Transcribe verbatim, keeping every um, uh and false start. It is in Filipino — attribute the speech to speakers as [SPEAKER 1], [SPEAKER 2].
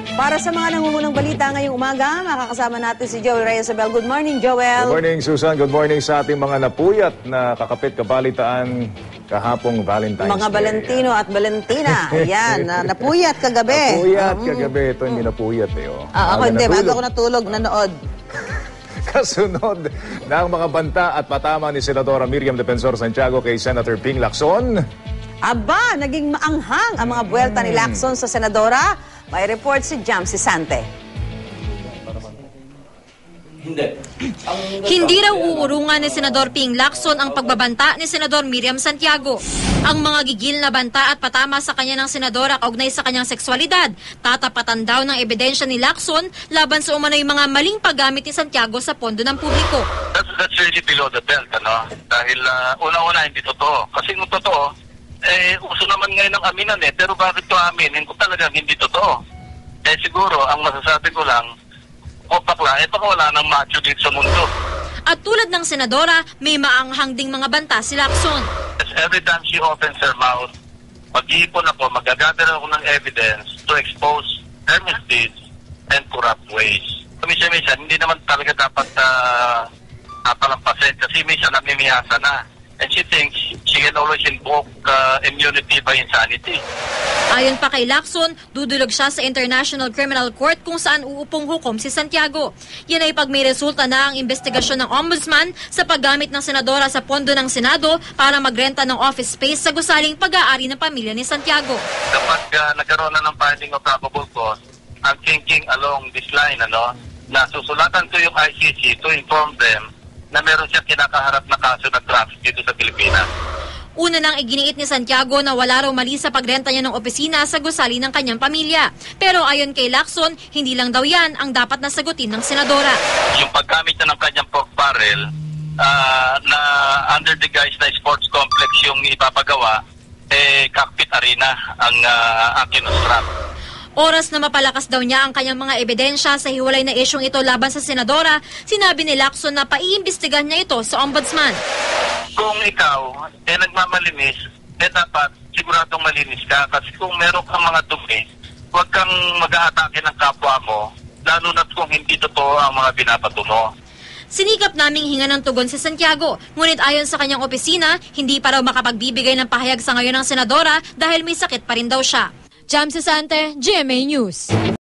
[SPEAKER 1] Para sa mga nangungunang balita ngayong umaga, makakasama natin si Joel Reyes-Abel. Good morning, Joel.
[SPEAKER 2] Good morning, Susan. Good morning sa ating mga napuyat na kakapit kabalitaan kahapong Valentine's
[SPEAKER 1] Mga
[SPEAKER 2] Day.
[SPEAKER 1] Valentino at Valentina. Ayan, na, napuyat kagabi.
[SPEAKER 2] Napuyat
[SPEAKER 1] Um,
[SPEAKER 2] kagabi. Ito hindi napuyat eh. Oh.
[SPEAKER 1] Ah, ako
[SPEAKER 2] Aga
[SPEAKER 1] hindi,
[SPEAKER 2] natulog.
[SPEAKER 1] bago ako natulog, nanood.
[SPEAKER 2] Kasunod ng mga banta at patama ni Senadora Miriam Defensor Santiago kay Senator Ping Lacson.
[SPEAKER 1] Aba, naging maanghang ang mga buwelta ni Lacson sa Senadora. May report si Jamsi Sante.
[SPEAKER 3] Hindi.
[SPEAKER 4] Hindi raw uurungan ni Senador Ping Lacson ang pagbabanta ni Senador Miriam Santiago. Ang mga gigil na banta at patama sa kanya ng senadora kaugnay sa kanyang sexualidad, tatapatan daw ng ebidensya ni Lacson laban sa umano'y mga maling paggamit ni Santiago sa pondo ng publiko.
[SPEAKER 3] That's, that's really below the belt, ano? Dahil uh, una-una hindi totoo. Kasi kung totoo, eh, uso naman ngayon ng aminan eh. Pero bakit ito aminin kung talagang hindi totoo? Eh siguro, ang masasabi ko lang, o bakla, eh baka wala nang macho dito sa mundo.
[SPEAKER 4] At tulad ng senadora, may maanghang ding mga banta si Lacson.
[SPEAKER 3] As every time she opens her mouth, mag-iipon ako, magagather ako ng evidence to expose her misdeeds and corrupt ways. Minsan-minsan, hindi naman talaga dapat uh, napalampasin kasi minsan namimiyasa na. And she thinks she can always invoke uh, immunity by insanity.
[SPEAKER 4] Ayon pa kay Lacson, dudulog siya sa International Criminal Court kung saan uupong hukom si Santiago. Yan ay pag may resulta na ang investigasyon ng Ombudsman sa paggamit ng senadora sa pondo ng Senado para magrenta ng office space sa gusaling pag-aari ng pamilya ni Santiago.
[SPEAKER 3] Kapag uh, nagkaroon na ng finding of probable cause, I'm thinking along this line, ano, na susulatan ko yung I C C to inform them na meron siyang kinakaharap na kaso ng traffic dito sa Pilipinas.
[SPEAKER 4] Una nang iginiit ni Santiago na wala raw mali sa pagrenta niya ng opisina sa gusali ng kanyang pamilya. Pero ayon kay Lacson, hindi lang daw yan ang dapat nasagutin ng senadora.
[SPEAKER 3] Yung paggamit niya ng kanyang pork barrel uh, na under the guise na sports complex yung ipapagawa, eh cockpit arena ang uh, ang kinustrap.
[SPEAKER 4] Oras na mapalakas daw niya ang kanyang mga ebidensya sa hiwalay na isyong ito laban sa senadora, sinabi ni Lacson na paiimbestigahan niya ito sa ombudsman.
[SPEAKER 3] Kung ikaw eh nagmamalinis, eh dapat siguradong malinis ka kasi kung meron kang mga dumi, huwag kang mag-aatake ng kapwa mo, lalo na kung hindi totoo ang mga binabato mo.
[SPEAKER 4] Sinikap naming hinga ng tugon si Santiago, ngunit ayon sa kanyang opisina, hindi pa raw makapagbibigay ng pahayag sa ngayon ng senadora dahil may sakit pa rin daw siya. Jamsi Sante, G M A News.